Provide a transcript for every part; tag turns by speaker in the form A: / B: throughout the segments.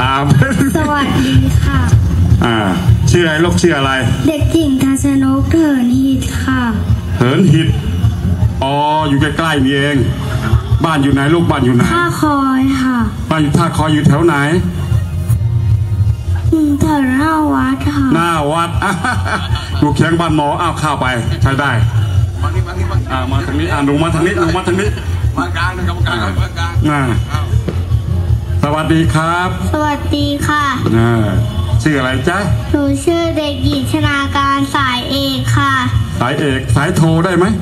A: าม
B: สวัสดีค่ะ
A: ชื่ออะไรลูกชื่ออะไร
B: เด็กหญิงทัศนกเถินหิตค่ะ
A: เถินหิตอ๋ออยู่ใกล้ๆนี่เองบ้านอยู่ไหนลูกบ้านอยู่ไหน
B: ท่าคอยค่ะ
A: บ้านอยู่ท่าคอยอยู่แถวไหน
B: แถวหน้าวัดค่ะ
A: หน้าวัดอยู่เคียงบ้านหมออ้าวเข้าไปใช้ได้มาทางนี้หนูมาทางนี้หนูมาทางนี้
C: มากลางนะครับกลางกลาง
A: สวัสดีครับ
B: สวัสดีค่ะ
A: ชื่ออะไรจ๊ะ
B: หนูชื่อเด็กหญิงชนาการสายเอกค่ะ
A: สายเอกสายโทได้ไหม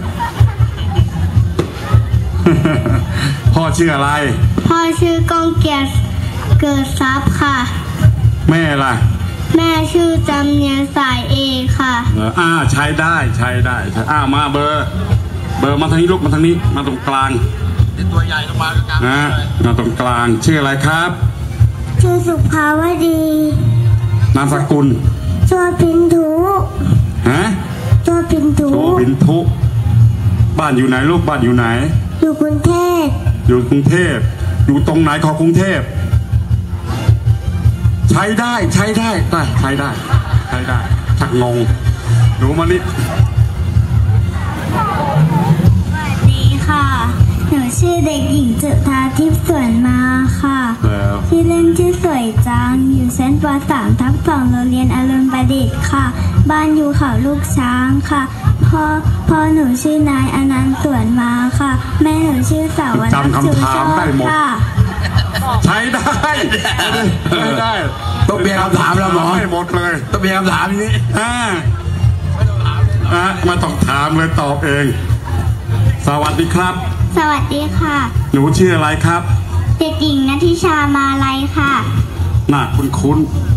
A: พ่อชื่ออะไร
B: พ่อชื่อก้องเกียรติเกิดทรัพย์ค่ะ
A: แม่ล่ะ
B: แม่ชื่อจำเนียนสายเอกค่ะ
A: ใช้ได้มาเบอร์มาทางนี้ลูกมาทางนี้มาตรงกลาง
C: ตัวใหญ่ลงมากลาง
A: มาตรงกลางชื่ออะไรครับ
B: ชื่อสุภาวดี
A: นามสกุล
B: ชัวพินทุชัวพินทุ
A: บ้านอยู่ไหนลูกบ้านอยู่ไหน
B: อยู่กรุงเทพ
A: อยู่ตรงไหนของกรุงเทพใช้ได้ชักงงหนูมานี่
B: สวัสดีค่ะหนูชื่อเด็กหญิงจุฑาทิพย์สวนมาค่ะชื่อเล่นชื่อสวยจังอยู่ชั้นป.3 ทับ 2โรงเรียนอรุณประดิษฐ์ค่ะบ้านอยู่เขาลูกช้างค่ะพ่อหนูชื่อนายอนันต์สวนมาค่ะแม่หนูชื่อสาวนัทชูโชติค่ะ
A: ใช้ได้
C: ต้องเปลี่ยนคำถามแล้วหมอ
A: ไม่หมดเลย
C: ต้องเปลี่ยนคำถามนี้
A: มาต้องถามเลยตอบเองสวัสดีครับ
B: สวัสดีค่ะ
A: หนูชื่ออะไรครับ
B: เด็กหญิงณทิชามาลัยค่ะ
A: น่าคุ้น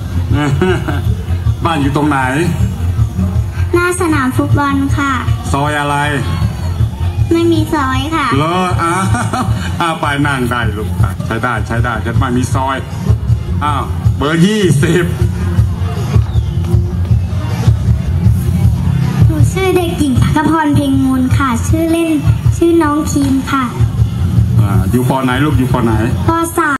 A: บ้านอยู่ตรงไหน
B: หน้าสนามฟุตบอลค่ะ
A: ซอยอะไร
B: ไม่มีซอยค่ะ
A: เหรอไปนั่งได้ลูกใช้ได้ฉันไม่มีซอยเบอร์20
B: หนูชื่อเด็กหญิงพักพรเพ็งมูลค่ะชื่อเล่นชื่อน้องคีมค่ะ
A: อยู่ป.ไหนลูกอยู่ป.ไหน
B: ป.3